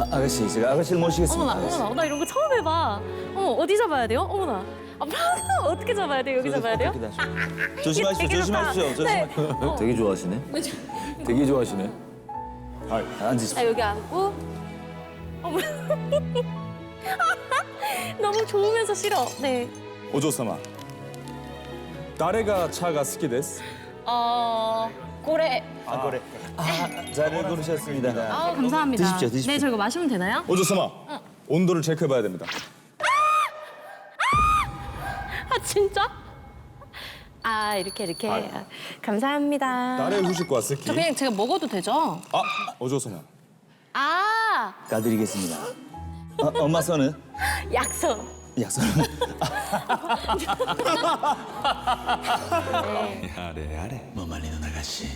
아가씨, 제가 아가씨를 모시겠습니다. 어머나, 어머나, 나 이런 거 처음 해봐. 어머, 어디 잡아야 돼요? 어머나. 어떻게 잡아야 돼요? 여기 잡아야 돼요? 조심하십시오, 되게 좋다. 조심하십시오. 네. 되게 좋아하시네. 되게 좋아하시네. 앉으십시오. 아, 여기 앉고. 어머. 너무 좋으면서 싫어. 네. お嬢様誰が茶が好きです 고래. 잘 고르셨습니다. 감사합니다. 드십시오, 드십시오. 네, 저 이거 마시면 되나요? お嬢様 온도를 체크해봐야 됩니다 아, 진짜? 아, 이렇게. 아, 감사합니다. 誰후식 과好き 저 그냥 제가 먹어도 되죠? あお嬢様 아, 가드리겠습니다. 엄마 손은? 약손. 약손은? 뭐 말리는 아가씨.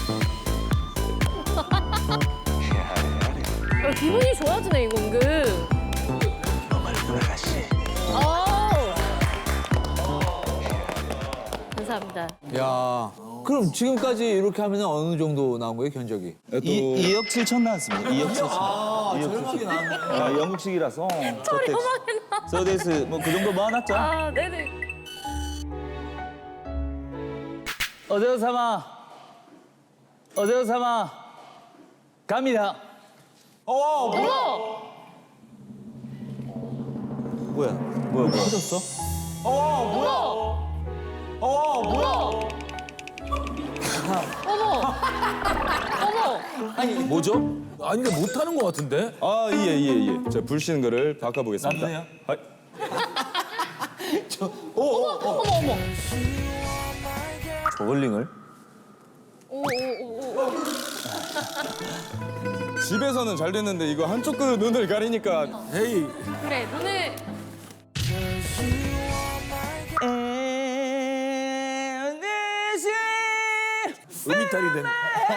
기분이 좋아지네, 이거 은근. 뭐 말리는 아가씨. 감사합니다. 야, 그럼 지금까지 이렇게 하면 어느 정도 나온 거예요, 견적이? 2억 7천 나왔습니다. 2억 7천. 저렴하게 나왔네. 아, 영국식이라서. 저렴하게 나. 서데스 뭐그 정도 모아놨죠? 아, 네네. 어제사마 갑니다. 어머! 뭐야? 터졌어? 어머! 어머! 뭐죠? 아니 근데 못하는 것 같은데? 아 예. 제가 불씨는 거를 바꿔보겠습니다 남자야? 하이. 어머! 저글링을? 오. 집에서는 잘 됐는데 이거 한쪽 그 눈을 가리니까 에이. 그래, 눈을. 음이탈이 되네.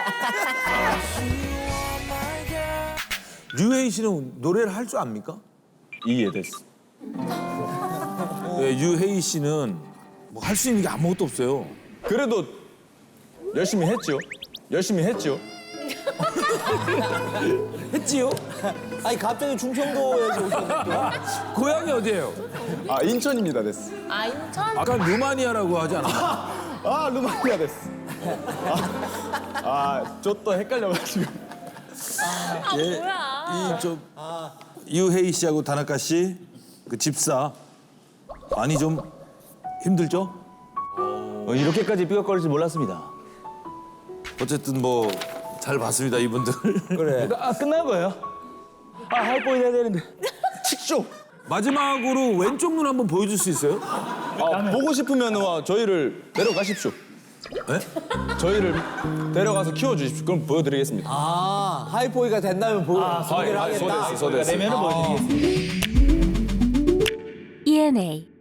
류혜인 씨는 노래를 할 줄 압니까? 이해됐어 네, 유혜인 씨는 뭐 할 수 있는 게 아무것도 없어요. 그래도 열심히 했죠 했지요? 아니, 갑자기 충청도에서 오셨는데. 고향이 어디예요? 아 인천입니다 됐어 아, 인천? 아까 루마니아라고 하지 않았어요? 아 루마니아 됐어 저 또 헷갈려가지고 아, 뭐야. 이좀 유혜인 씨하고 다나카 씨 그 집사 많이 좀 힘들죠? 이렇게까지 삐걱거릴 줄 몰랐습니다. 어쨌든 뭐 잘 봤습니다 이분들. 그래. 끝난 거예요? 하이보이 해야 되는데. 식쇼 마지막으로 왼쪽 눈 한번 보여줄 수 있어요? 보고 싶으면 저희를 데려가십시오 네? 저희를 데려가서 키워주십시오 그럼 보여드리겠습니다 아, 하이포이가 된다면 소개를 하겠다. 소데스 내면은 보여드리겠습니다. ENA